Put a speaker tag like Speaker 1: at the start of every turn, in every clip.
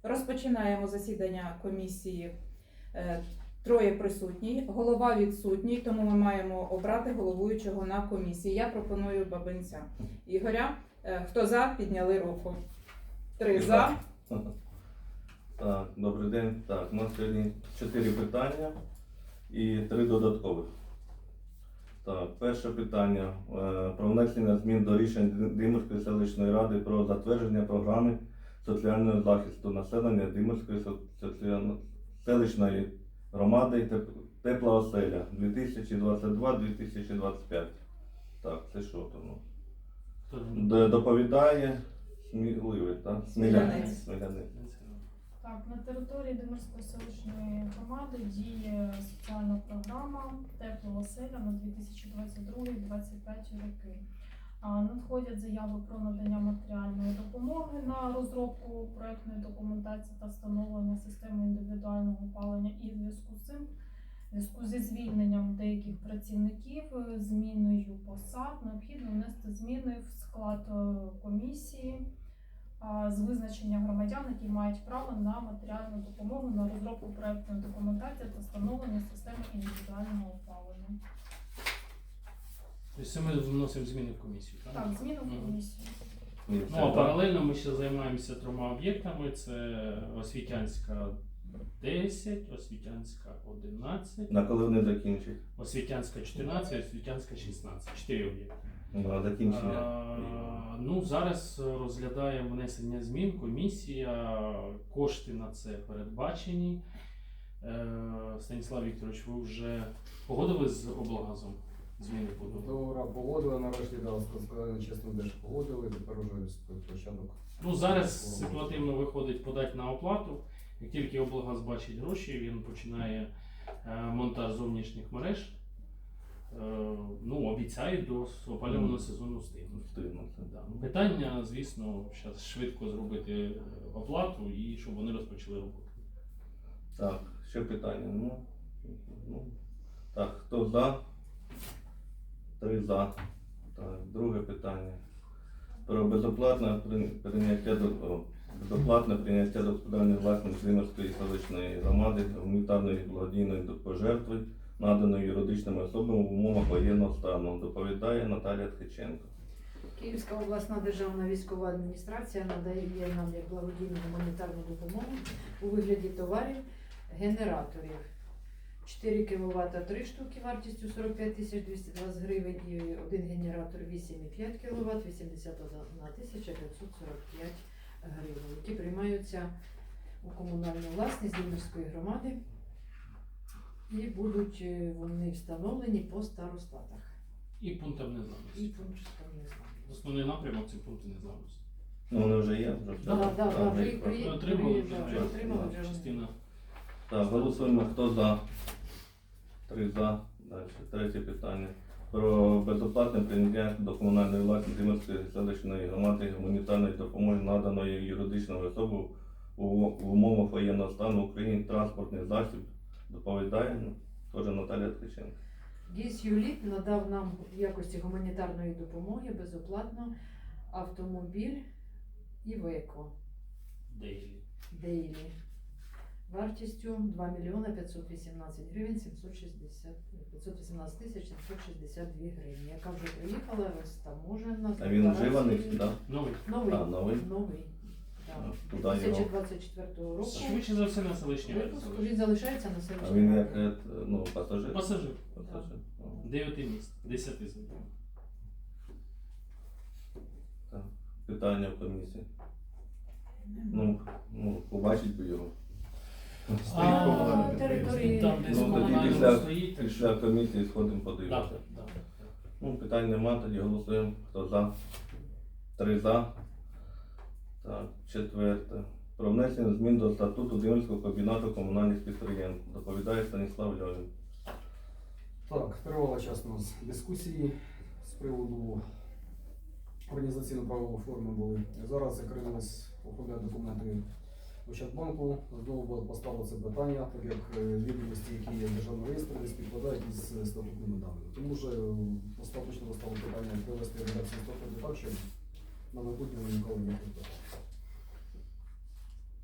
Speaker 1: Розпочинаємо засідання комісії. Троє присутні, голова відсутній, тому ми маємо обрати головуючого на комісії. Я пропоную Бабинця Ігоря. Хто за, підняли руку. 3 за.
Speaker 2: Так, добрий день. Так, у нас сьогодні 4 питання і 3 додаткових. Так, перше питання про внесення змін до рішень Димирської селищної ради про затвердження програми соціального захисту населення Димирської селищної громади «Тепла оселя» 2022-2025. Так, це що там? Доповідає Сміливий, так?
Speaker 1: Смілянець.
Speaker 3: Так, на території Димирської селищної громади діє соціальна програма «Тепла оселя» на 2022-2025 роки. Надходять заяви про надання матеріальної допомоги на розробку проєктної документації та встановлення системи індивідуального опалення. І в зв'язку з цим, в зв'язку зі звільненням деяких працівників, зміною посад, необхідно внести зміни в склад комісії з визначення громадян, які мають право на матеріальну допомогу на розробку проєктної документації та встановлення системи індивідуального опалення.
Speaker 4: Тобто ми вносимо зміни в комісію, так?
Speaker 3: Так, зміни в комісію.
Speaker 4: Ну, а паралельно ми ще займаємося 3 об'єктами. Це Освітянська 10, Освітянська 11,
Speaker 2: На коли вони закінчать?
Speaker 4: Освітянська 14, Освітянська 16. 4 об'єкти.
Speaker 2: На закінчення.
Speaker 4: Ну, зараз розглядаємо внесення змін, комісія, кошти на це передбачені. Станіслав Вікторович, ви вже погодили з облгазом зміни по
Speaker 5: Добре, погодили, нарешті, сказали чесно, де ж погодили, тепер уже початок.
Speaker 4: Ну, зараз ситуативно виходить подати на оплату. Як тільки облгаз бачить гроші, він починає монтаж зовнішніх мереж. Ну, обіцяють до опалювального сезону встигнути. Да. Питання, звісно, зараз швидко зробити оплату і щоб вони розпочали роботу.
Speaker 2: Так, ще питання. Так, хто за? 3 за. Так, друге питання. Про безоплатне прийняття до господарної власності Димирської селищної громади гуманітарної благодійної пожертви, наданої юридичними особами в умовах воєнного стану. Доповідає Наталія Ткаченко.
Speaker 6: Київська обласна державна військова адміністрація надає нам як благодійну гуманітарну допомогу у вигляді товарів генераторів. 4 кВт 3 штуки вартістю 45 220 гривень і один генератор 8,5 кВт 81 545 гривень, які приймаються у комунальну власність Димирської громади і будуть вони встановлені по старостатах.
Speaker 4: І пунктам незламності.
Speaker 6: І пунктам незламності.
Speaker 4: Основний напрямок це пункти незламності.
Speaker 2: Ну, вони вже є.
Speaker 6: Так,
Speaker 2: вже
Speaker 6: ви
Speaker 2: їх
Speaker 4: Отримали
Speaker 6: вже.
Speaker 4: частина.
Speaker 2: Так, голосуємо, хто за. 3 за. Далі, третє питання. Про безоплатне прийняття до комунальної власності Димирської селищної громади гуманітарної допомоги, наданої юридичною особою в умовах воєнного стану в Україні транспортний засіб. Доповідає теж Наталія Ткаченко.
Speaker 6: ГІС «Юліт» надав нам в якості гуманітарної допомоги безоплатно автомобіль «Івеко» Дейлі вартістю 2 мільйони 518 гривень 518 тисяч 762 гривні, яка вже приїхала розтаможена.
Speaker 2: А він вживаний, так?
Speaker 4: Новий.
Speaker 6: Новий.
Speaker 2: Новий.
Speaker 6: Так.
Speaker 2: Куди його?
Speaker 6: 2024 року.
Speaker 4: Швидше за все на селищній раді.
Speaker 6: Він залишається на
Speaker 2: А
Speaker 6: селищній
Speaker 2: він
Speaker 6: раді.
Speaker 2: як пасажир?
Speaker 4: Пасажир.
Speaker 2: Пасажир.
Speaker 4: 9 міст, 10 з них.
Speaker 2: Так. Питання в комісії. Побачить би його.
Speaker 6: Території.
Speaker 4: Там десь
Speaker 2: Ну, тоді
Speaker 4: комунально стоїть.
Speaker 2: Після комісії сходимо подивитися.
Speaker 4: Так.
Speaker 2: Питань нема, тоді голосуємо. Хто за? 3 за. Так, четверте. Про внесення змін до статуту Димирського комбінату комунальних підприємств. Доповідає Станіслав Льовін.
Speaker 5: Так, тривала час у нас дискусії з приводу організаційно-правової форми були. Зараз закрились оформляти документи Ощадбанку. Знову поставило це питання, так як відомості, які є в державному реєстрі, не співпадають із статутними даними. Тому що остаточно поставило питання привести редакцію статуту так, щоб на майбутнє виникало ніяких питань.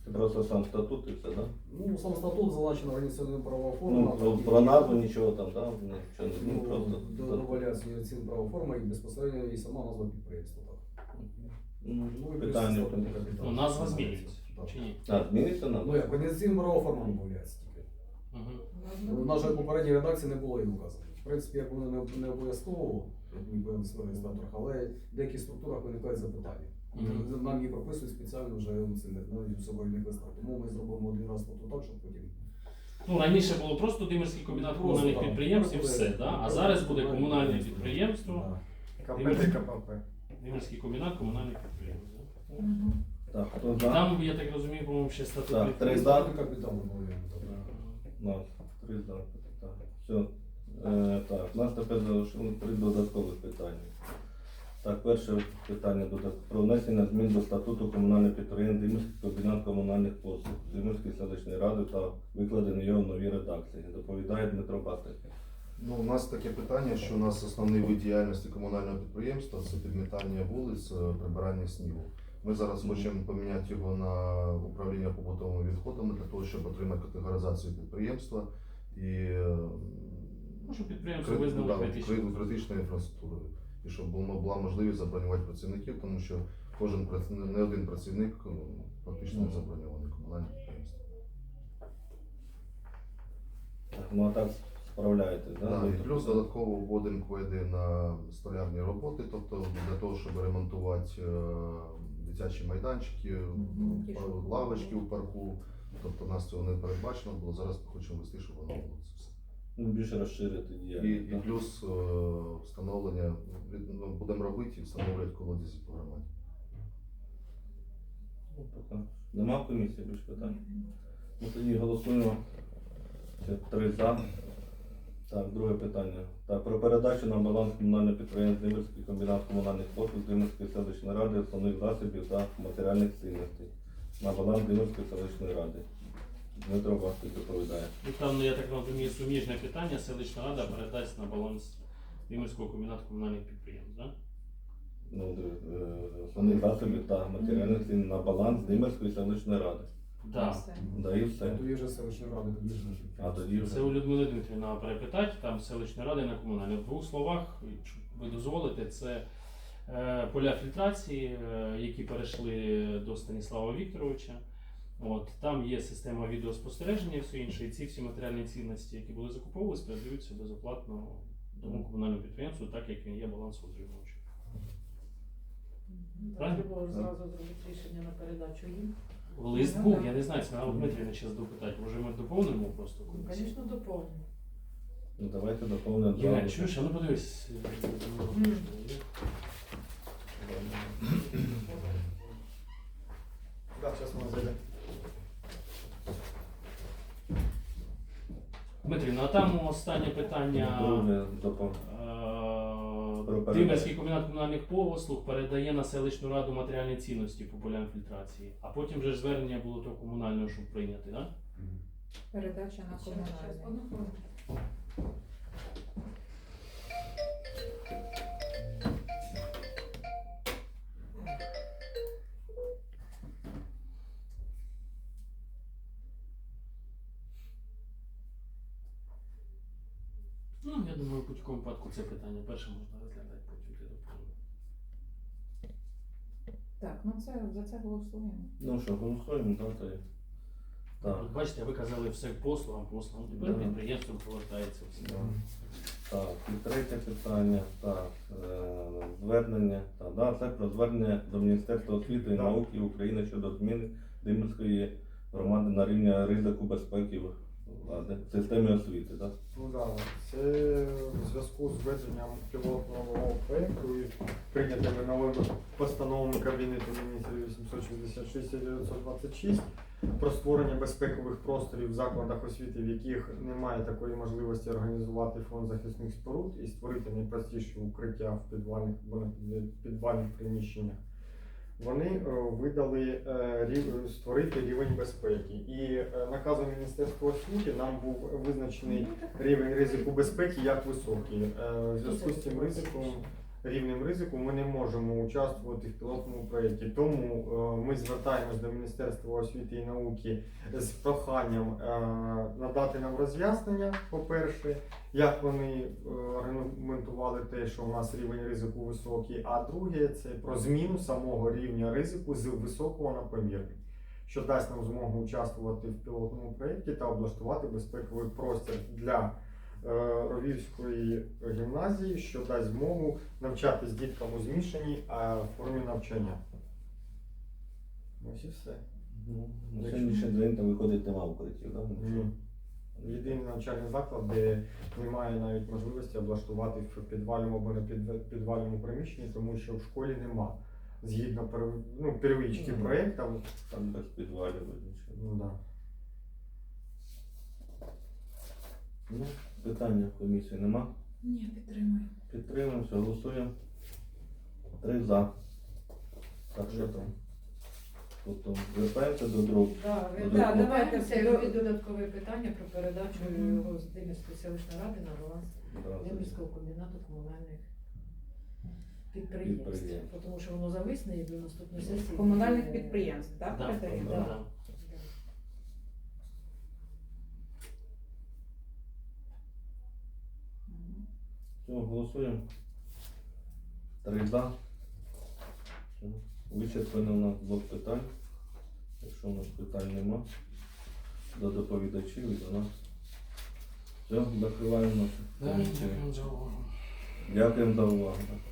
Speaker 2: Просто сам статут і все, да?
Speaker 5: Ну, сам статут залучена організаційна правова форма.
Speaker 2: Ну, про назву нічого там, да? Нічого не просто.
Speaker 5: Додається організаційна правова форма і безпосередньо і сама назва підприємства. Так.
Speaker 2: Ну,
Speaker 5: Ну, і
Speaker 2: питання.
Speaker 5: плюс статутний капітал.
Speaker 4: Ну, назва змінюється.
Speaker 5: Так.
Speaker 4: Чи ні?
Speaker 2: А, зміниться нам?
Speaker 5: Ну як, організаційна правова форма додається тільки.
Speaker 4: Угу.
Speaker 5: В нашій попередній редакції не було і указано. В принципі, як воно не обов'язково, як ніби в реєстраторах, але в деяких структурах виникають запитання.
Speaker 4: Мгм.
Speaker 5: Нам її прописують спеціально вже навіть у соборних листах. Тому ми зробимо один раз статут так, щоб потім.
Speaker 4: Ну, раніше було просто Димирський комбінат
Speaker 5: Просто,
Speaker 4: комунальних
Speaker 5: так.
Speaker 4: підприємств і
Speaker 5: Буде-
Speaker 4: все, да? А зараз буде комунальне підприємство,
Speaker 5: Да.
Speaker 7: КП та КПП.
Speaker 4: Димирський комбінат комунальних підприємств. Да?
Speaker 2: Так, хто
Speaker 4: І
Speaker 2: за?
Speaker 4: там, я так розумію, по-моєму, ще статут
Speaker 2: Так,
Speaker 4: підприємства.
Speaker 2: три за.
Speaker 5: Статутний капітал додаємо.
Speaker 2: Ну, 3 за. Так, все. Так, у нас тепер залишилось 3 додаткових питання. Так, перше питання про внесення змін до статуту комунального підприємства Димирський комбінат комунальних послуг Димирської селищної ради та викладено його в новій редакції. Доповідає Дмитро Пастик.
Speaker 8: Ну, у нас таке питання, що у нас основний вид діяльності комунального підприємства це підмітання вулиць, прибирання снігу. Ми зараз хочемо поміняти його на управління побутовими відходами для того, щоб отримати категоризацію підприємства і
Speaker 4: Ну, щоб підприємство визнало критичним.
Speaker 8: критичною інфраструктурою. І щоб була можливість забронювати працівників, тому що не один працівник фактично не заброньований комунальне підприємство.
Speaker 2: Так, ну а так справляєтесь, да?
Speaker 8: Да, і плюс додатково вводимо кведи на столярні роботи, тобто для того, щоб ремонтувати дитячі майданчики,
Speaker 1: ті, що
Speaker 8: лавочки у парку. Тобто у нас цього не передбачено було, зараз ми хочемо вести, щоб воно було це все.
Speaker 2: Ну, більше розширити
Speaker 8: І
Speaker 2: діяльність. да?
Speaker 8: плюс встановлення, будемо робити і встановлювати колодязі по громаді.
Speaker 2: Ну, поки. Нема в комісії більше питань? Ну тоді голосуємо. Це 3 за. Так, друге питання. Так, про передачу на баланс комунального підприємства Димирський комбінат комунальних послуг Димирської селищної ради основних засобів та матеріальних цінностей. На баланс Димирської селищної ради. Дмитро Пастик доповідає.
Speaker 4: І там, ну, я так розумію, суміжне питання, селищна рада передасть на баланс Димирського комбінату комунальних підприємств, так?
Speaker 2: Ну, основних засобів та матеріальних цін на баланс Димирської селищної ради.
Speaker 4: Да.
Speaker 2: Да і все.
Speaker 5: Тоді вже селищної ради, тоді вже.
Speaker 2: А тоді
Speaker 4: Це
Speaker 2: вже.
Speaker 4: у Людмили Дмитрівна перепитати, там селищної ради на комунальні. В двох словах, якщо ви дозволите, це поля фільтрації, які перейшли до Станіслава Вікторовича. От, там є система відеоспостереження і все інше, і ці всі матеріальні цінності, які були закуповувалися, передаються безоплатно тому комунальному підприємству, так як він є балансоутримувачем. Правильно?
Speaker 6: Треба зразу зробити рішення на передачу їм.
Speaker 4: Лист був, я не знаю, це треба Дмитрівна зараз допитати, може ми доповнимо просто
Speaker 6: Ну,
Speaker 4: комісію?
Speaker 6: звісно, доповнимо.
Speaker 2: Ну давайте доповнимо.
Speaker 4: Євген, чуєш, а ну подивись.
Speaker 7: Так, зараз ми зайдемо.
Speaker 4: Дмитрівна, а там останнє питання.
Speaker 2: Друге Про передачу.
Speaker 4: Димирський комбінат комунальних послуг передає на селищну раду матеріальні цінності по полям фільтрації, а потім вже ж звернення було до комунального, щоб прийняти, так?
Speaker 1: Передача на комунальне.
Speaker 6: Одну хвилину.
Speaker 4: Ну, я думаю, в будь-якому випадку це питання перше можна розглядати, потім ти доповниш.
Speaker 1: Так, ну це за це голосуємо.
Speaker 2: Ну що, голосуємо, так, то є. Так.
Speaker 4: Бачите, ви казали все послугам, тепер
Speaker 2: Да.
Speaker 4: підприємством повертається все.
Speaker 2: Да. Так, і третє питання. Так, звернення. Так, да, це про звернення до Міністерства освіти і
Speaker 7: Да.
Speaker 2: науки України щодо зміни Димирської громади на рівні ризику безпеки в системі освіти. Так?
Speaker 7: Ну да, це в зв'язку з введенням пілотного проєкту і прийнятими новими постановами Кабінету міністрів 866 і 926 про створення безпекових просторів в закладах освіти, в яких немає такої можливості організувати фонд захисних споруд і створити найпростіші укриття в підвальних приміщеннях. Вони видали створити рівень безпеки. І наказом Міністерства освіти нам був визначений рівень ризику безпеки як високий. В зв'язку з цим ризиком рівнем ризику ми не можемо участвувати в пілотному проєкті. Тому ми звертаємось до Міністерства освіти і науки з проханням надати нам роз'яснення, по-перше, як вони аргументували те, що у нас рівень ризику високий, а друге, це про зміну самого рівня ризику з високого на помірний, що дасть нам змогу участвувати в пілотному проєкті та облаштувати безпековий простір для Ровівської гімназії, що дасть змогу навчатись діткам у змішаній формі навчання. Ось і все.
Speaker 2: Ну, на сьогоднішній день там виходить нема укриттів, так?
Speaker 7: Ні. Єдиний навчальний заклад, де немає навіть можливості облаштувати в підвальному або не підвальному приміщенні, тому що в школі нема. Згідно первички проєкту.
Speaker 2: Там без підвалів нічого.
Speaker 7: Ну, да.
Speaker 2: Ну, питання в комісії нема.
Speaker 1: Ні, підтримую.
Speaker 2: Підтримуємо, все, голосуємо. 3 за. Так, що там? Потім звертаємося до другого.
Speaker 6: Да,
Speaker 2: Ну,
Speaker 6: да,
Speaker 2: да.
Speaker 6: давайте це робіть додаткове питання про передачу його з Демірської селищної ради на баланс Демірського комбінату комунальних підприємств. Тому що воно зависне і до наступної сесії.
Speaker 1: Комунальних підприємств, так?
Speaker 4: Да,
Speaker 1: передаємо?
Speaker 4: да,
Speaker 6: Да.
Speaker 4: да.
Speaker 1: Мгм.
Speaker 2: Все, голосуємо. 3 за. Все. Вичерпано у нас блок питань. Якщо у нас питань нема, до доповідачів і до нас. Все, закриваємо нашу комісію.
Speaker 4: Дякую за увагу.
Speaker 2: Дякуємо за увагу.